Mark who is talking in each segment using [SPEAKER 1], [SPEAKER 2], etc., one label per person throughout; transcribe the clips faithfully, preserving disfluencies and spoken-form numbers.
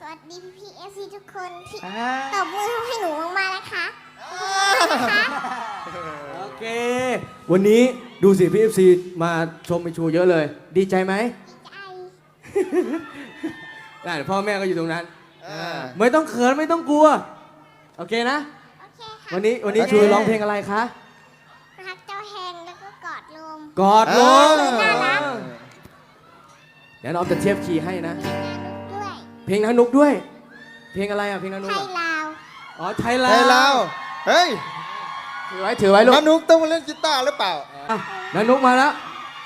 [SPEAKER 1] วัสดีพี่พีเอฟซีทุกคนที่
[SPEAKER 2] อ่า
[SPEAKER 1] ตบมือให้หนูมากๆนะคะนะคะ
[SPEAKER 2] โอเค วันนี้ดูสิพี่เอฟซีมาชมไปชูเยอะเลย ดีใจไหม
[SPEAKER 1] ใจ
[SPEAKER 2] ได้พ่อแม่ก็อยู่ตรงนั้น
[SPEAKER 3] อ่า
[SPEAKER 2] ไม่ต้องเขินไม่ต้องกลัว โอเคนะ
[SPEAKER 1] โอเคค่ะ
[SPEAKER 2] วันนี้วันนี้
[SPEAKER 3] โอเค
[SPEAKER 2] ชูร้องเพลงอะไรคะ
[SPEAKER 1] รักเจ้าแหงแล้วก็กอดลม
[SPEAKER 2] กอดลง
[SPEAKER 1] น่ารัก
[SPEAKER 2] เดี๋ยวน้องจะเทียบคีย์ให้นะ
[SPEAKER 1] เพลงนานุกด้วย
[SPEAKER 2] เพลงนานุกด้วย เพลงอะไรอ่ะเพลงนานุ
[SPEAKER 1] ไท
[SPEAKER 2] ก
[SPEAKER 1] ย
[SPEAKER 2] อ่ะ
[SPEAKER 1] ลาว
[SPEAKER 2] อ๋อไทยลา
[SPEAKER 3] ไทยลาว วเฮ้ย
[SPEAKER 2] ถือไว้ถือไว้ลูก
[SPEAKER 3] มานุกต้องมาเล่นกีตาร์หรือเปล่า
[SPEAKER 2] อ่ะนานุกมาแล้ว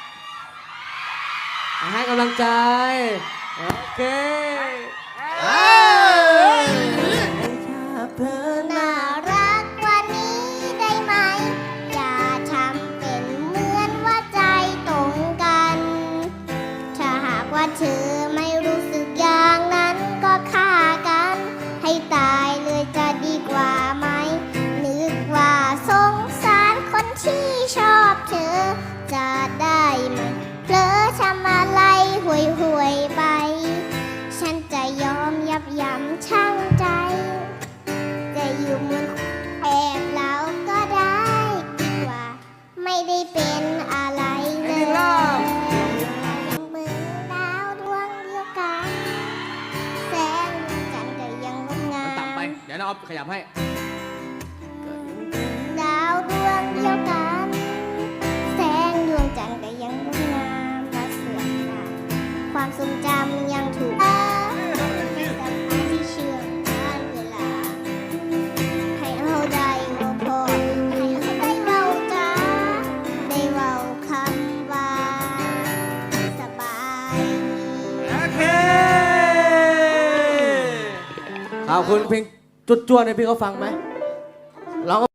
[SPEAKER 2] อ่ะให้กำลังใจ โอเคเอ้ยเธอ
[SPEAKER 1] น่ารักกว่านี้ได้ไหม อย่าทำเป็นเหมือนว่าใจตรงกัน ถ้าหากว่าเธอไม่รู้สึกอย่างนั้นก็ฆ่ากัน ให้ตายเลยจะดีกว่าไหม นึกว่าสงสารคนที่ชอบเธอ จะได้ไหมเผลอทำอะไรห่วยห่วยๆไป ฉันจะยอมยับยั้งชั่งใจ จะอยู่เหมือนแอบเราก็ได้ดีกว่า ไม่ได้เป็นอะไรเลย เหมือนดาวดวงเดียวกันแสงจันทร์ก็ยังงดงา
[SPEAKER 2] มันต่ำไป
[SPEAKER 1] ม
[SPEAKER 2] เดี๋ยวน้องเอาขยับให้
[SPEAKER 1] ดาวดวงเดียวกันแสงดวงจันทร์ก็ยังงดงามและสวยงามความทรงจำยังถูกเป็นสะพานที่เชื่อมการเวลา ให้เอาได้เว่าพอให้เอาได้เว่าจ้าได้เว่าคำว่าสบายดี
[SPEAKER 2] โอเค ขอบคุณเพลงจุดจวนให้พี่เขาฟังไหมร้อง